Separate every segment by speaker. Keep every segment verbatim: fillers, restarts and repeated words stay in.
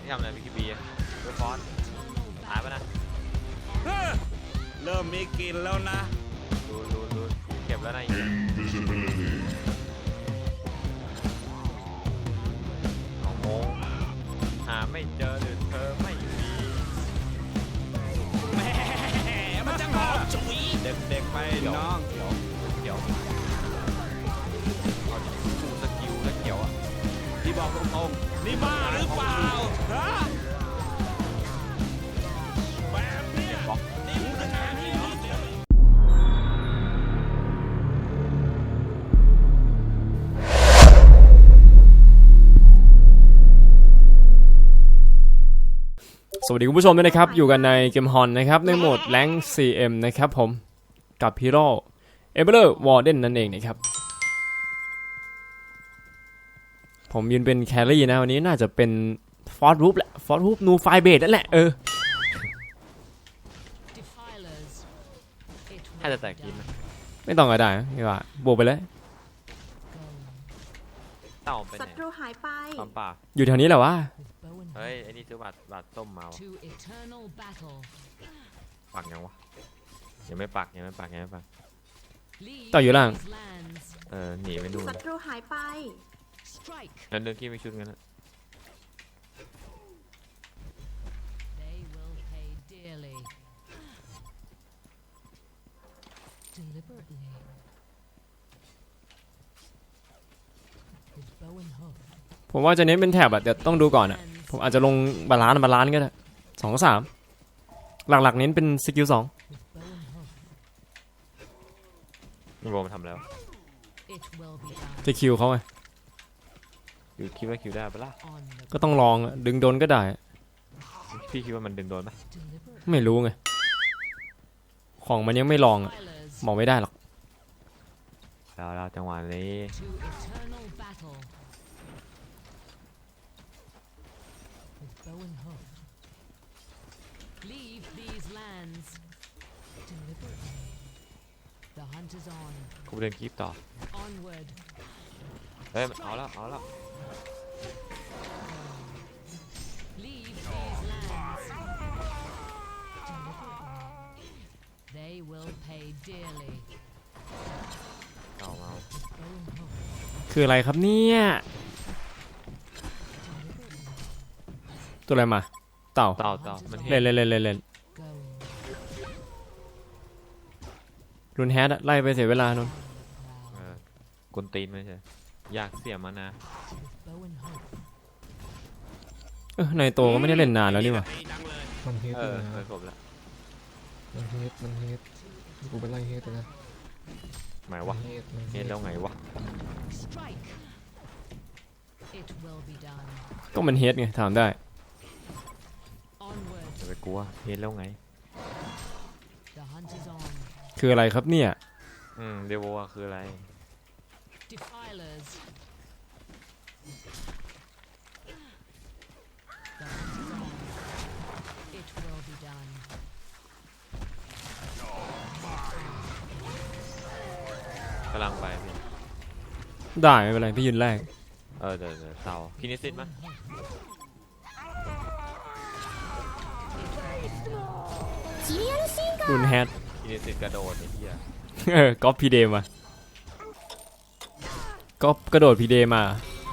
Speaker 1: ทำอะไรพีคีบีเวฟอนหายไปนะ
Speaker 2: เริ่มมีกลิ่นแล้วนะ
Speaker 1: ดูดูดูเก็บแล้วนะสองโมงหาไม่เจอหรือเธอไม่มี
Speaker 2: แหมมันจะหอมฉุย
Speaker 1: เด็กๆไป
Speaker 2: น้อง
Speaker 1: เขียวเขียวเอาดูสกิลแล้วเขียวอ่ะที่บอกตรงๆ
Speaker 2: นี่บ้าหรือเปล่าฮะแบบนี้นี่มันจะงานที่ดี
Speaker 3: สวัสดีคุณผู้ชมด้วยนะครับอยู่กันในเกมฮอนนะครับในโหมดแรงค์ ซี เอ็ม นะครับผมกับฮีโร่เอเบอร์วอร์เดนนั่นเองนะครับผมยืนเป็นแครี่นะวันนี้น่าจะเป็นฟอร์ดรูปแหละฟอร์ดรูปนูไฟเบดนั่นแหละเออ
Speaker 1: ถ้าจะแตกกินไหม
Speaker 3: ไม่ต้องก็ได้นี่ว่าบวกไปเลย
Speaker 1: เต่าเป็นไง
Speaker 4: ศัตรูหายไป
Speaker 1: ความป่า
Speaker 3: อยู่แถวนี้แหละวะ
Speaker 1: เฮ้ยไอ้นี่ซื้อบาทบาทส้มมาวะปักยังวะยังไม่ปักยังไม่ปักยังไม่ปัก
Speaker 3: ต่ออยู่ล่าง
Speaker 1: เออหนีไปดู
Speaker 4: ศัตรูหายไป
Speaker 1: นั่นเดินขี้ไม่ชุดกันนะ
Speaker 3: ผมว่าจะเน้นเป็นแถบอะเดี๋ยวต้องดูก่อนอะผมอาจจะลงบาลานซ์บาลานซ์ก็ได้สองสามหลักๆเน้นเป็นสกิลสอง
Speaker 1: นี่โบมันทำแล้ว
Speaker 3: จะคิวเขาไง
Speaker 1: อยู่คิดว่าคิวได้ปะล่ะ
Speaker 3: ก็ต้องลองดึงโดนก็ได้
Speaker 1: พี่คิดว่ามันดึงโดนปะ
Speaker 3: ไม่รู้ไงของมันยังไม่ลองอะบอกไม่ได้หรอก
Speaker 1: แล้วเราจังหวะนี้กูเดินคีบต่อเฮ้ยเอาแล้วเอาแล้วเอามา
Speaker 3: คืออะไรครับเนี่ยตัวอะไรมาเต่า
Speaker 1: เต่าเต่ามัน
Speaker 3: เล่นเล่นเล่นเล่นเล่นรุนแฮดไล่ไปเสียเวลานน
Speaker 1: กุนตีนไม่ใช่อยากเสียมานะ
Speaker 3: เออในโตก็ไม่ได้เล่นนานแล้วนี่หว่า
Speaker 5: มันเฮดเลยนะ
Speaker 1: เคยจบแล้ว
Speaker 5: มันเฮดมันเฮดกูไปไล่เฮดเลยนะ
Speaker 1: หมายวะเฮดแล้วไงวะ
Speaker 3: ก็มันเฮดไงถามได้
Speaker 1: จะไปกลัวเฮดแล้วไง
Speaker 3: คืออะไรครับเนี่ย
Speaker 1: อืมเดโวคืออะไรกำลังไปพี่
Speaker 3: ได้ไม่เป็นไรพี่ยืนแรก
Speaker 1: เออเดี๋ยวเดี๋ยวเต่าคินิซิตมั้ย
Speaker 3: รุนแฮด
Speaker 1: คินิซิตกระโดดไอ้เหี้ย
Speaker 3: เออก๊อปพีเดมาก๊อปกระโดดพีเดมา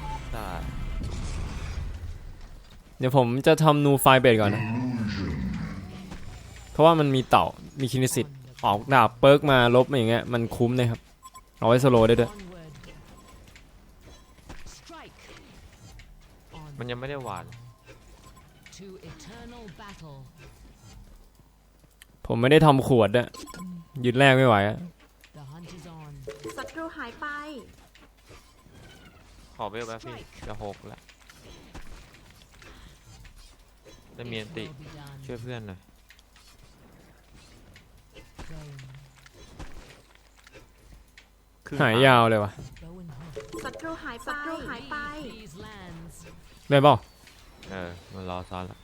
Speaker 3: เดี๋ยวผมจะทำนูไฟเบดก่อนนะเพราะว่ามันมีเต่ามีคินิสิตออกดาบเปิร์กมาลบมาอย่างเงี้ยมันคุ้มเลยครับเอาไว้สโลได้ด้วย
Speaker 1: มันยังไม่ได้หวาน
Speaker 3: ผมไม่ได้ทำขวดอะยืนแรกไม่ไหวอะ
Speaker 4: ศัตรูหายไป
Speaker 1: ขอเบลแป๊บพี่จะหกแล้วได้เมียนติช่วยเพื่อนหน่อย
Speaker 3: หายยาวเลยวะ
Speaker 4: ศัตรูหายไปศัตรูหายไป
Speaker 3: ได้ป่ะ
Speaker 1: เออมันรอซ้อนแล้ว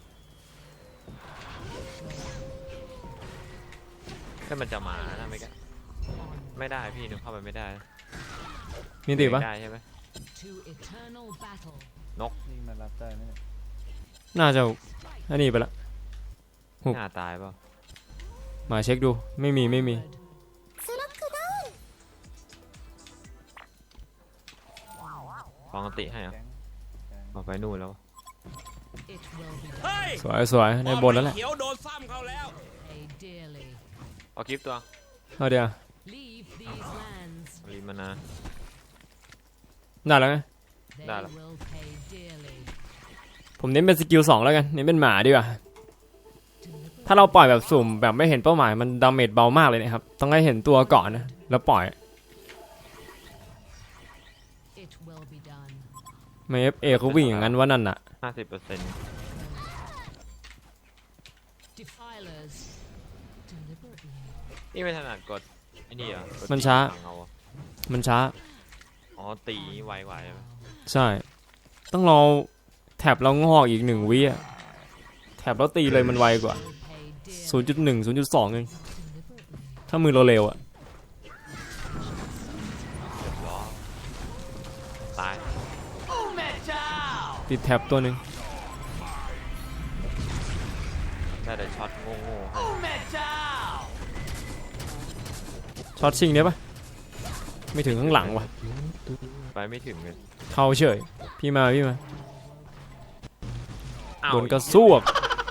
Speaker 1: ถ้ามันจะมานะไม่ก็ไม่ได้พี่นึกเข้าไปไม่ได้
Speaker 3: มีติปะ
Speaker 1: ได้ใช่ไหมนก
Speaker 5: นี่มันรับได้ไหมเนี่ย
Speaker 3: น่าจะอันนี้ไปละ หุบ
Speaker 1: หน้าตายเปล่า
Speaker 3: มาเช็คดูไม่มีไม่มี
Speaker 1: ฟองอันติให้เหรอเอาไปนู่นแล้ว
Speaker 4: It will be
Speaker 2: เฮ้ย
Speaker 3: สวยสวยในบนแล้วแหละ
Speaker 2: เขียวโดนซ้ำเขาแล้ว
Speaker 4: paid dearly.
Speaker 1: เอาคลิปตัว
Speaker 3: เอาเดี๋ยว
Speaker 4: Leave these lands.
Speaker 1: รีมานา
Speaker 3: ได้แล้วไง
Speaker 4: They
Speaker 1: Đã rồi.
Speaker 4: will pay dearly.
Speaker 3: ผมเน้นเป็นสกิลสองแล้วกันเน้นเป็นหมาดีกว่าถ้าเราปล่อยแบบสุ่มแบบไม่เห็นเป้าหมายมันดาเมจเบามากเลยนะครับต้องให้เห็นตัวก่อนนะแล้วปล่อย
Speaker 4: It will be done.
Speaker 3: ไม่เอฟเอเขาวิ่งอย่างนั้นว่านั่นน่ะ
Speaker 1: ห้าสิบเปอร์เซ็นต์
Speaker 4: Defilers. Deliberately.
Speaker 1: นี่ไม่ถนัดกดไอ้นี่เหรอกด
Speaker 3: มันช้า
Speaker 1: ตีหลังเอาอะ
Speaker 3: มันช้า
Speaker 1: อ๋อตีไวกว่าใช่ไหม
Speaker 3: ใช่ ต้องรอแท็บเรางอกอีกหนึ่งวิอะแท็บเราตีเลยมันไวกว่า
Speaker 4: Will pay dearly.
Speaker 3: ศูนย์จุดหนึ่ง ศูนย์จุดสองเอง
Speaker 4: Deliberately.
Speaker 3: ถ้ามือเราเร็วอะ
Speaker 1: เรียบร้อยตาย
Speaker 3: ติดแท็บตัวหนึ่ง
Speaker 1: ได้แต่ช็อตโง่ๆให้
Speaker 3: ช็อตชิงได้ปะไม่ถึงข้างหลังว่ะ
Speaker 1: ไปไม่ถึงเลย
Speaker 3: เข้าเฉยพี่มาพี่มา
Speaker 1: อ้าว
Speaker 3: โดนกระซวก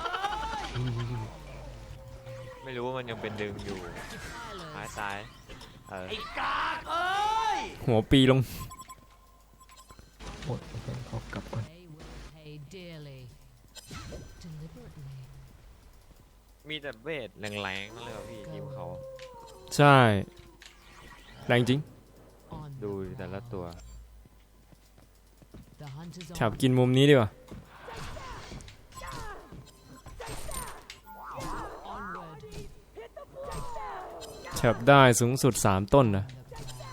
Speaker 1: ไม่รู้ว่ามันยังเป็นดึงอยู่ตาย
Speaker 4: Defilers.
Speaker 1: ตายเออ
Speaker 3: หัวปีลง
Speaker 5: หมดโอเคขอกลับก่อน
Speaker 4: They will pay dearly. Deliberately.
Speaker 1: มีแต่เวทแรงๆนั่นเลยว่ะพี่ทีมเขา
Speaker 3: ใช่แรงจริง
Speaker 4: On
Speaker 1: ดู
Speaker 4: the
Speaker 1: แต่ละ
Speaker 4: prowl.
Speaker 1: ตัว
Speaker 4: The hunt is
Speaker 3: แถบ
Speaker 4: on.
Speaker 3: กินมุมนี้ดีกว่า
Speaker 4: Onward.
Speaker 3: แถบได้สูงสุดสามต้นนะ
Speaker 4: The prowl.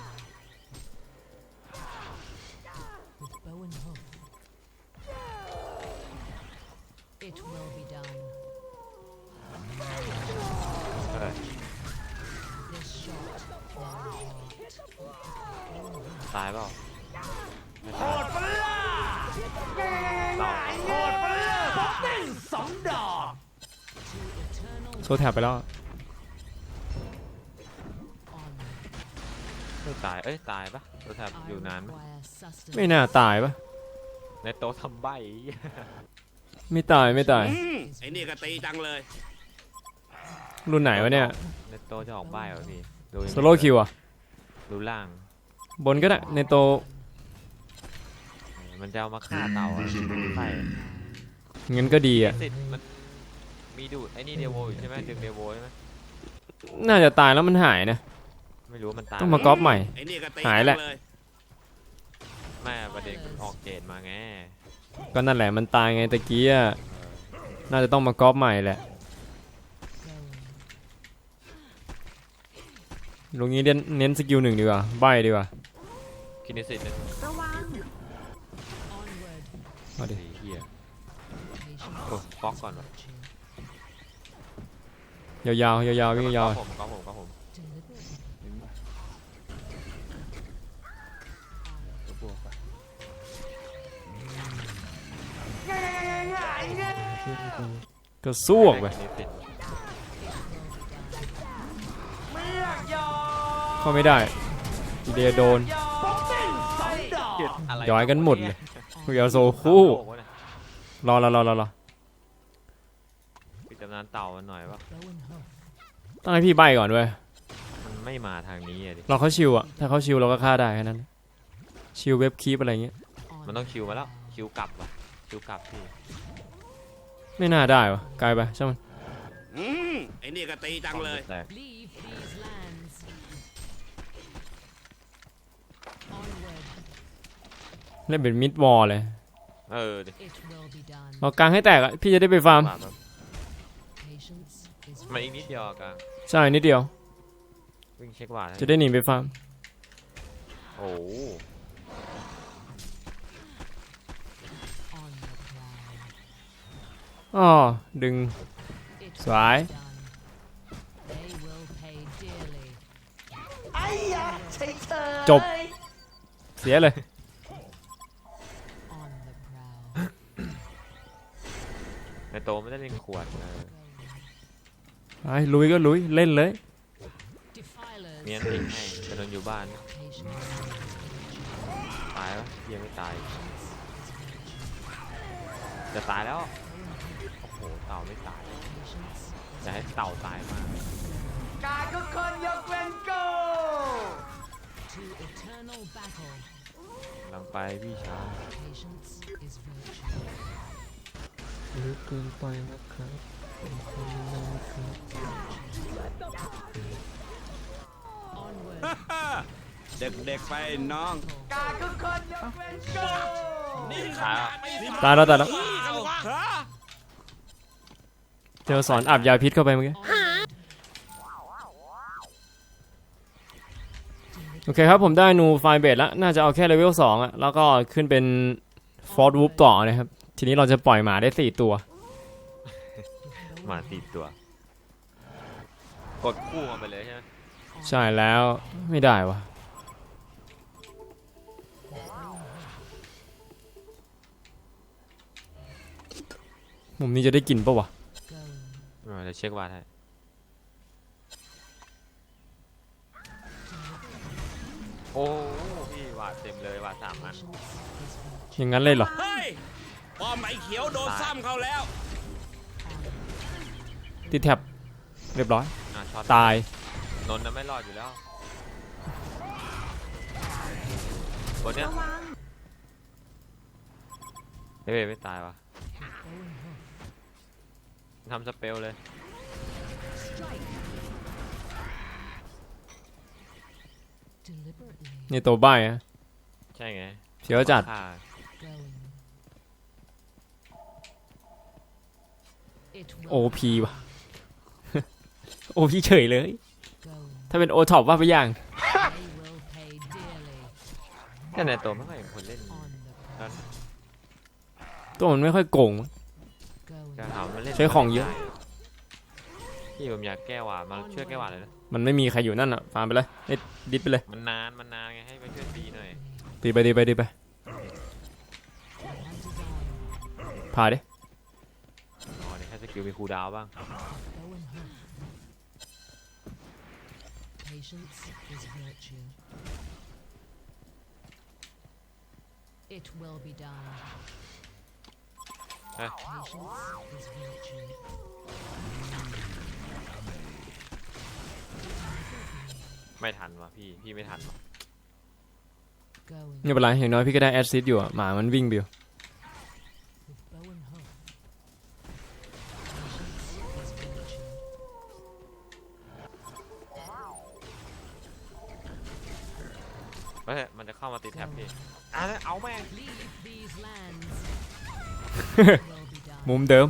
Speaker 4: With bow and hoof. It will be done.
Speaker 1: เออ
Speaker 4: This shot will heart.
Speaker 1: ตายเปล่าไม่ตายต่อ
Speaker 4: Eternal
Speaker 3: โซแถบไปแล้ว
Speaker 4: on.
Speaker 1: ไม่ตายเอ้ยตายปะตัวแทบ
Speaker 4: I
Speaker 1: อยู่นานไหม
Speaker 4: require sustenance.
Speaker 3: ไม่น่าตายปะ
Speaker 1: ในโต๊ะทำใบ
Speaker 3: ไม่ตายไม่ตาย
Speaker 2: อืมไอ้นี่ก็ตีจังเลย
Speaker 3: รุ่นไหนวะเนี่ย
Speaker 1: ในโต๊ะจะออกใบเหรอพี่ดูยังไง
Speaker 3: โซโล่คิวอะ
Speaker 1: ดูล่าง
Speaker 3: บนก็ได้ในโต
Speaker 1: มันจะเอามาฆ่าเต่าอะใช่
Speaker 3: งั้นก็ดีอะ
Speaker 1: สิทธิ์มันมีดูดไอ้นี่เดโวอยู่ใช่ไหมดึงเดโวใช่ไหม
Speaker 3: น่าจะตายแล้วมันหายนะ
Speaker 1: ไม่รู้ว่ามันตาย
Speaker 3: ต้องมาก๊อปใหม่
Speaker 2: ไอ้นี่ก็ตี
Speaker 3: หาย
Speaker 2: จั
Speaker 3: แหละ
Speaker 2: งเลย
Speaker 1: แม่ประเด็นมันออกเจดมาไง
Speaker 3: ก็นั่นแหละมันตายไงตะกี้อะน่าจะต้องมาก๊อปใหม่แหละ
Speaker 4: Going.
Speaker 3: ลงนี้เน้นเน้นสกิลหนึ่งดีกว่าใบดีกว่า
Speaker 1: คินิสิตหนึ่ง
Speaker 4: Onward.
Speaker 3: เอาดิ
Speaker 1: สี่เฮีย
Speaker 4: Patience.
Speaker 1: โอ้ฟอกก่อนวะ
Speaker 3: ยาวๆยาวๆวิ่งยาว
Speaker 1: ก็ผมก็ผมก็ผม
Speaker 4: Deliberately.
Speaker 1: ตัวบวกไป
Speaker 3: ๆก็สู้ออกไป
Speaker 1: คินิสิต
Speaker 3: เข้าไม่ได้อีเดียโดน
Speaker 1: อะไร
Speaker 3: ย้อยกันหมดเลยคุยเอาโซคู่ รอรอรอรอรอ
Speaker 1: ปิดตำนานเต่ามันหน่อยว่า
Speaker 4: Bow and hoof.
Speaker 3: ต้องให้พี่ใบก่อนด้วย
Speaker 1: มันไม่มาทางนี้อะดิ
Speaker 3: เราเขาชิวอะถ้าเขาชิวเราก็ฆ่าได้แค่นั้น ชิวเว็บคีปอะไรเงี้ย
Speaker 4: On
Speaker 1: มันต้อง
Speaker 4: the
Speaker 1: คิวมาแล้ว
Speaker 4: prowl.
Speaker 1: คิวกลับว่ะคิวกลับพี่
Speaker 3: ไม่น่าได้วะไกลไปใช่ไหม
Speaker 2: อืมไอ้นี่ก็ตีจังเลย
Speaker 1: แตก
Speaker 4: Leave these lands. Onward.
Speaker 3: เล่นเป็นมิดวอลเลย
Speaker 1: เออดิ
Speaker 4: It will be done.
Speaker 3: เอากลางให้แตกอะพี่จะได้ไปฟาร์ม
Speaker 1: ปาดแบบ
Speaker 4: Patience is
Speaker 1: มันอีกนิดเดียวอะกลาง
Speaker 3: ใช่นิดเดียว
Speaker 1: วิ่งเช็คหวาดให้
Speaker 3: จะได้หนีไปฟาร์ม
Speaker 1: โอ้โห
Speaker 4: on the prowl.
Speaker 3: อ๋อดึง
Speaker 4: It
Speaker 3: Xoái.
Speaker 4: will be done. They will pay dearly.
Speaker 3: จบ เสียเลย
Speaker 4: On the prowl.
Speaker 1: ในโตไม่ได้เล่นขวดเออ
Speaker 3: ไปลุยก็ลุยเล่นเลย
Speaker 4: Defilers.
Speaker 1: เมียนทิ้งให้จะโดนอยู่บ้าน
Speaker 4: Patience.
Speaker 1: ตายแล้วยังไม่ตายจะตายแล้วโอ้โหเต่าไม่ตายจะให้เต่าตายมาก
Speaker 4: To eternal battle.
Speaker 1: กำลังไปพี่ชาย
Speaker 4: Patience is virtue.
Speaker 5: ลึกเกินไปนะครับเป็นคนนะครับ
Speaker 4: Onward.
Speaker 2: เด็กๆไปน้อง
Speaker 1: นี่ขนาดไม่
Speaker 3: ตายแล้วตายแล้ว
Speaker 2: เอาฮะ
Speaker 3: เจอสอนอาบยาพิษเข้าไปเมื่อกี้
Speaker 4: Onward.
Speaker 3: โอเคครับผมได้นูไฟเบดแล้วน่าจะเอาแค่เลเวลสองอะแล้วก็ขึ้นเป็นฟอร์ดวูฟต่อนะครับทีนี้เราจะปล่อยหมาได้สี่ตัว
Speaker 1: หมาติดตัว กดคู่มันไปเลยใช่ไหม
Speaker 3: ใช่แล้วไม่ได้วะมุมนี้จะได้กินปะวะ
Speaker 4: Going.
Speaker 1: เออจะเช็ควาดให้โอ้พี่วาดเต็มเลยวาดสามอัน
Speaker 3: อย่างนั้นเลยเหรอ
Speaker 2: เฮ้ยป้อมไอ้เขียวโดนซ้ำเขาแล้ว
Speaker 3: ติดแท็บเรียบร้อย
Speaker 1: อ่ะช็อต
Speaker 3: ตาย
Speaker 1: นนท์น่ะไม่รอดอยู่แล้วบนเนี้ยเฮ้ยไม่ตายวะทำสเปลเลย
Speaker 4: Deliberately.
Speaker 3: นี่ตัวบ้ายอะ
Speaker 1: ใช่ไง
Speaker 3: เสียวจัด
Speaker 1: ฆ่า
Speaker 4: Going. It
Speaker 3: โอ
Speaker 4: will
Speaker 3: พีว่ะ โอพีเฉยเลย
Speaker 4: go.
Speaker 3: ถ้าเป็นโอท็อปว่าไปอย่าง
Speaker 4: They will pay dearly
Speaker 1: แต่ในตัวไม่ค่อยเห็นคนเล่น
Speaker 4: on the
Speaker 1: แล้ว
Speaker 4: price.
Speaker 3: ตัวมันไม่ค่อยโกงมั้ง
Speaker 4: Going.
Speaker 1: การถามมันเล่น
Speaker 3: ใช้ของเยอะ
Speaker 1: พี่ผมอยากแก้หวาดมาช่วยแก้หวาดเลยนะ
Speaker 3: มันไม่มีใครอยู่นั่นอ่ะฟาร์มไปเลยเอ็ดดิสไปเลย
Speaker 1: มันนานมันนานไงให้ไปช่วยตีหน่อย
Speaker 3: ตีไปดีไปดีไปพาดิ
Speaker 1: อ๋อเนี่ยแค่สกิลมีคูลดาวน์บ้าง
Speaker 4: Bow and hook. Patience is virtue. It will be done.
Speaker 1: เฮ้ย
Speaker 4: Patience is virtue.
Speaker 1: ไม่ทันว่ะพี่พี่ไม่ทันว่ะ
Speaker 4: Going
Speaker 3: ไม่เป็นไรอย่างน้อยพี่ก็ได้แอดซิสอยู่อ่ะหมามันวิ่งไปอยู่
Speaker 4: with bow and hook. Patience is virtue.
Speaker 1: เฮ้ยมันจะเข้ามาติดแท็บพี่อ่ะเอาแม่ง
Speaker 4: Leave these lands. It will be done.
Speaker 3: มุมเดิม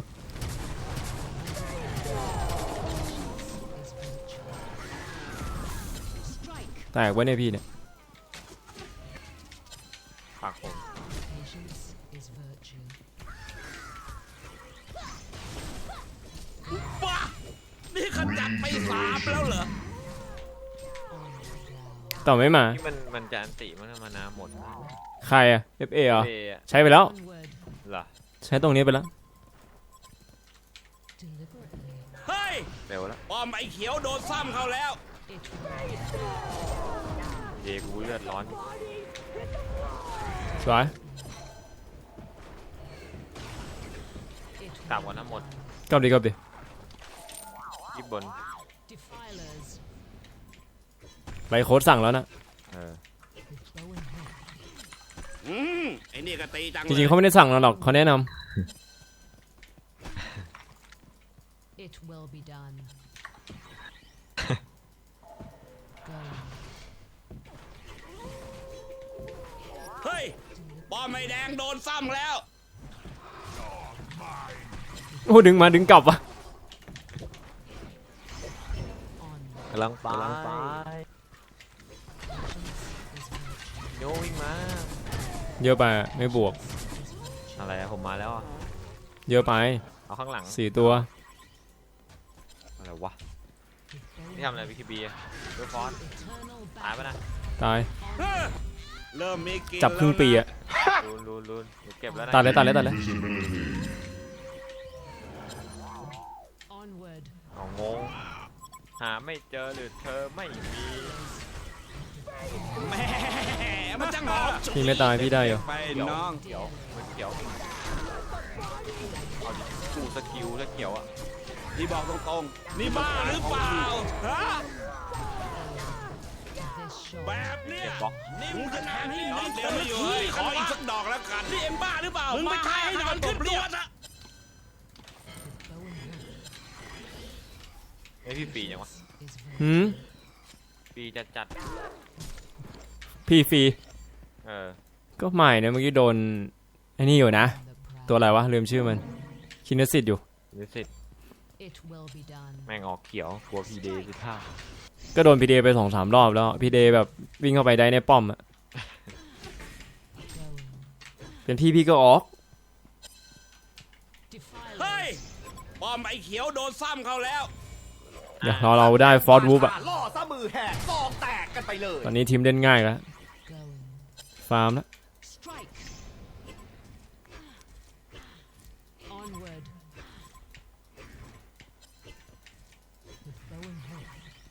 Speaker 4: Is virtue. Strike.
Speaker 3: แตกไว้เนี่ยพี่เนี่ย
Speaker 1: ปากผม
Speaker 4: Patience is virtue.
Speaker 2: บ้า นี่ขจัดไปสามแล้วเหรอ
Speaker 4: On the ground.
Speaker 3: ต่อไม่มา
Speaker 1: นี่มันมันจะอันติมันมานาหมด
Speaker 3: ใครอ่ะ เอฟ เอ เหรอ
Speaker 1: เบย์อะ
Speaker 3: ใช้ไปแล้ว
Speaker 4: Onward.
Speaker 1: เหรอ
Speaker 3: ใช้ตรงนี้ไปแล้ว
Speaker 4: Deliberately.
Speaker 2: เฮ้ย
Speaker 1: เร็วแล้ว
Speaker 2: ป้อมไอ้เขียวโดนซ้ำเขาแล้ว
Speaker 4: It will
Speaker 1: เยกูเลือดร้อน
Speaker 3: สวย
Speaker 4: It
Speaker 1: กลับก่อนนะหมด
Speaker 3: กลับดีกลับดี
Speaker 1: ยิบบน
Speaker 4: Defilers
Speaker 3: ไรโค้ดสั่งแล้วนะ
Speaker 1: เออ
Speaker 4: with bow and hook.
Speaker 2: อืมไอ้นี่ก็ตีจัง
Speaker 3: จริงๆเขาไม่ได้สั่งเราหรอกเขาแนะน
Speaker 4: It will be done. Go.
Speaker 2: เฮ้ย ป้อมไอ้แดงโดนซ้ำแล้ว
Speaker 3: ำโอ้ดึงมาดึงกลับวะ
Speaker 4: On.
Speaker 1: กำลังไป
Speaker 4: Patience is virtue.
Speaker 1: โยวิ่งมา
Speaker 3: เยอะไปอะไม่บวก
Speaker 4: Is virtue.
Speaker 1: อะไรอะผมมาแล้วอะ
Speaker 3: เยอะไป
Speaker 1: เอาข้างหลัง
Speaker 3: สี่ตัว
Speaker 1: อะไรวะ
Speaker 4: With bow
Speaker 1: นี่
Speaker 4: and
Speaker 1: ทำอะไรวิคิบีอะดูฟอน
Speaker 4: eternal
Speaker 1: ตายปะ
Speaker 4: battle.
Speaker 1: นะ
Speaker 3: ตาย
Speaker 2: เฮ้ยเริ่มมีกลิน
Speaker 3: จับครึ่งปี
Speaker 2: แล้วนะ
Speaker 3: อ่ะ
Speaker 1: ลูนลูนลูนเดี๋ยวเก็บแล้วนะ
Speaker 3: ตัดเลยตัดเลยตัดเลย
Speaker 1: หาไม่เจอหรือเธอไม่มี
Speaker 2: แหมมันจะหอมฉุย
Speaker 3: พี่ไม่ตายพี่ได้เหรอ
Speaker 2: ไปน้อง
Speaker 1: เขียวมันเขียวเอาดิกูสกิลสเขียวอ่ะ
Speaker 2: ที่บอกตรงๆนี่บ้าหรือเปล่าฮะ
Speaker 4: This shore
Speaker 2: แบบเนี้ย
Speaker 1: เก็บบ็อก
Speaker 2: นี่มึงจะทำให้นอนเดี๋ยวไม่อยู่เฮ้ยขออีกสักดอกแล้วกันนี่เอ็มบ้าหรือเปล่ามึงไปทายให้นอนขึ้นตัวซะ
Speaker 1: ไอพี่ปียังวะ
Speaker 4: is
Speaker 3: หืม
Speaker 1: ปีจะจัด
Speaker 3: พี่ฟรี
Speaker 1: เออ
Speaker 3: ก็ใหม่นะเมื่อกี้โดนไอ้นี่อยู่นะ
Speaker 4: the proud.
Speaker 3: ตัวอะไรวะลืมชื่อมันคินสิตอยู่
Speaker 1: นิสิต
Speaker 4: It will be done.
Speaker 1: แม่งออกเขียวกลัวพีเดย์สิท่า
Speaker 3: ก็โดนพีเดไปสองสามรอบแล้วพีเดแบบวิ่งเข้าไปได้ในป้อมอะ
Speaker 4: Going.
Speaker 3: เป็นพี่พี่ก็ออก
Speaker 2: เฮ้ย
Speaker 4: Defilers.
Speaker 2: บอมไอ้เขียวโดนซ้ำเขาแล้ว
Speaker 3: เดี๋ยวเราเราได้ฟอร์ดวูฟอะ
Speaker 6: ล่อซะมือแหกซองแตกกันไปเลย
Speaker 3: ตอนนี้ทีมเล่นง่ายแล้ว
Speaker 4: Going.
Speaker 3: ฟาร์มแล้ว
Speaker 4: Strike. Onward. With bow and hook.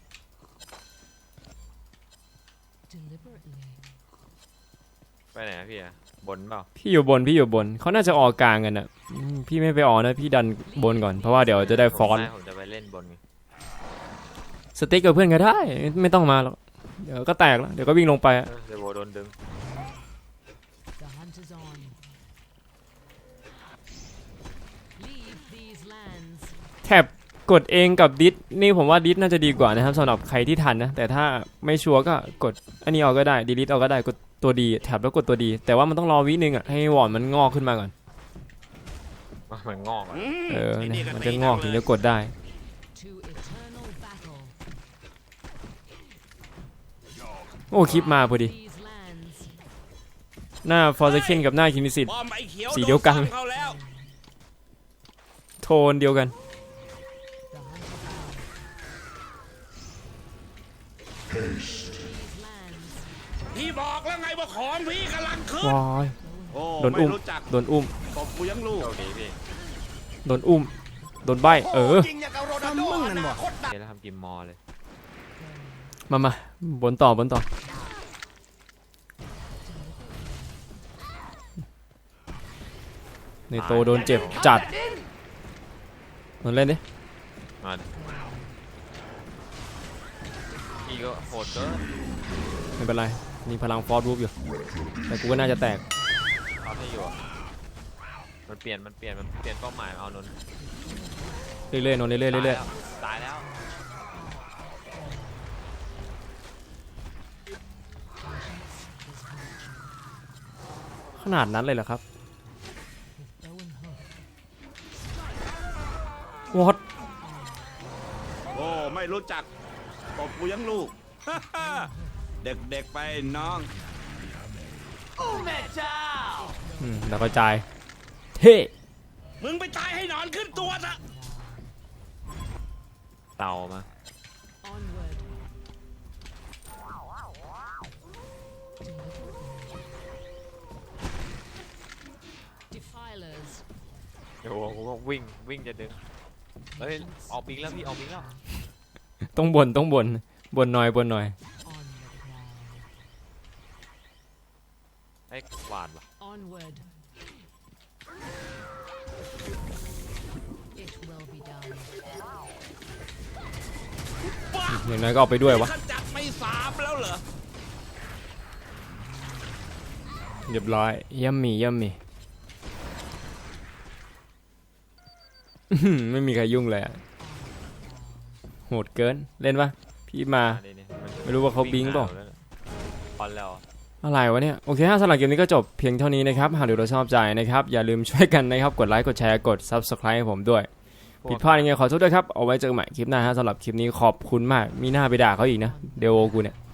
Speaker 4: Deliberately.
Speaker 1: ไปไหนอะพี่อะบนเปล่า
Speaker 3: พี่อยู่บนพี่อยู่บนเขาน่าจะออกกลางกันอะอืมพี่ไม่ไปออกนะพี่ดันบนก่อนเพราะว่าเดี๋ยวจะได้ฟอนต์
Speaker 1: ผมจะไปเล่นบนไง
Speaker 3: สติ๊กกับเพื่อนก็ได้ไม่ต้องมาหรอกเดี๋ยวก็แตกแล้วเดี๋ยวก็วิ่งลงไปอะ
Speaker 1: เออเดยวโวโดนดึง
Speaker 4: The hunt is on. Leave these lands.
Speaker 3: แท็บกดเองกับดิสนี่ผมว่าดิสน่าจะดีกว่านะครับสำหรับใครที่ทันนะแต่ถ้าไม่ชัวร์ก็กดอันนี้เอาก็ได้ดีลิทเอาก็ได้กดตัวดีแท็บแล้วกดตัวดี แต่ว่ามันต้องรอวินึงอ่ะให้วอร์ดมันงอกขึ้นมาก่อน
Speaker 1: มันงอกอะ
Speaker 3: เออ
Speaker 2: ไ
Speaker 3: เนี่ย
Speaker 2: ก็
Speaker 3: มัน
Speaker 2: ตี
Speaker 3: จะงอกถึงจะกดได้
Speaker 4: To eternal battle.
Speaker 3: โอ้คลิปมาพอดี
Speaker 4: These lands.
Speaker 3: หน้าฟอร์ซเคนกับหน้าคินิสิต
Speaker 2: บอมไอ้เขียว
Speaker 3: สีเดียวกัน
Speaker 2: โซ้ำเขาแล้ว
Speaker 3: โทนเดียวกัน
Speaker 4: The hunt is on. These lands.
Speaker 2: พี่บอกแล้วไงว่าของพี่กำลังขึ้น
Speaker 3: วาย
Speaker 2: โอ้
Speaker 3: โดน
Speaker 2: ไม่
Speaker 3: อุ้ม
Speaker 2: รู้จัก
Speaker 3: โดนอุ้ม
Speaker 2: ตบกูยังลูก
Speaker 1: โชคดีพี่
Speaker 3: โดนอุ้มโดนใบเออ
Speaker 6: จริงอย่างกับโรนัลโดอนาคตดัง
Speaker 1: เดี๋ยวเราทำกิมมอเลย
Speaker 3: มามาบนต่อบนต่อในโตโดนเจ็บจัดนนเล่นดิ
Speaker 1: มาดิพี่ก็โหดเกิน
Speaker 3: ไม่เป็นไรมีพลังฟอร์ดวูฟอยู่แต่กูก็น่าจะแตก
Speaker 1: เอาให้อยู่อะมันเปลี่ยนมันเปลี่ยนมันเปลี่ยนเป้าหมายเอานนท์
Speaker 3: เรื่อยๆนนเรื่อยๆเรื่อย
Speaker 1: ตายแล้ว
Speaker 3: ๆขนาดนั้นเลยเหรอครับ
Speaker 4: Bow and hook.
Speaker 3: วอต
Speaker 2: โอ้ไม่รู้จักตบกูยังลูก เด็กๆไปน้อง
Speaker 6: โอ้แม่เจ้า
Speaker 3: อืมแล้วก็จ่ายเท่
Speaker 2: มึงไปตายให้นอนขึ้นตัวซะ
Speaker 1: เต่ามา
Speaker 4: Onward. Defilers.
Speaker 1: เดี๋ยวกูก็วิ่งวิ่งจะดึงเฮ้ยออกบิงแล้วพี่ออกบิงแล้ว
Speaker 3: ต้องบนต้องบนบนหน่อยบนหน่อย
Speaker 4: On the prowl.
Speaker 1: ไอ้หวานว่ะ
Speaker 4: Onward. It will be done.
Speaker 3: อย่างน้อยก็เอาไปด้วยวะ
Speaker 2: ขจัดไปสามแล้วเหรอ
Speaker 3: เรียบร้อยย่ำมีย่ำมีอื้อหือไม่มีใครยุ่งเลยอะโหดเกินเล่นปะพี่มา
Speaker 1: อันนี้เนี่ยน
Speaker 3: ไม่รู้ว่าเขาบิงเปล่า
Speaker 1: พอนแล้ว
Speaker 3: อะไรวะเนี่ยโอเคฮะสำหรับเกมนี้ก็จบเพียงเท่านี้นะครับหากดูเราชอบใจนะครับอย่าลืมช่วยกันนะครับกดไลค์กดแชร์กด ซับสไครบ์ ให้ผมด้วยผิดพลาดยังไงขอโทษด้วยครับเอาไว้เจอกันใหม่คลิปหน้าฮะสำหรับคลิปนี้ขอบคุณมากมีหน้าไปด่าเขาอีกนะเดวโอกูเนี่ย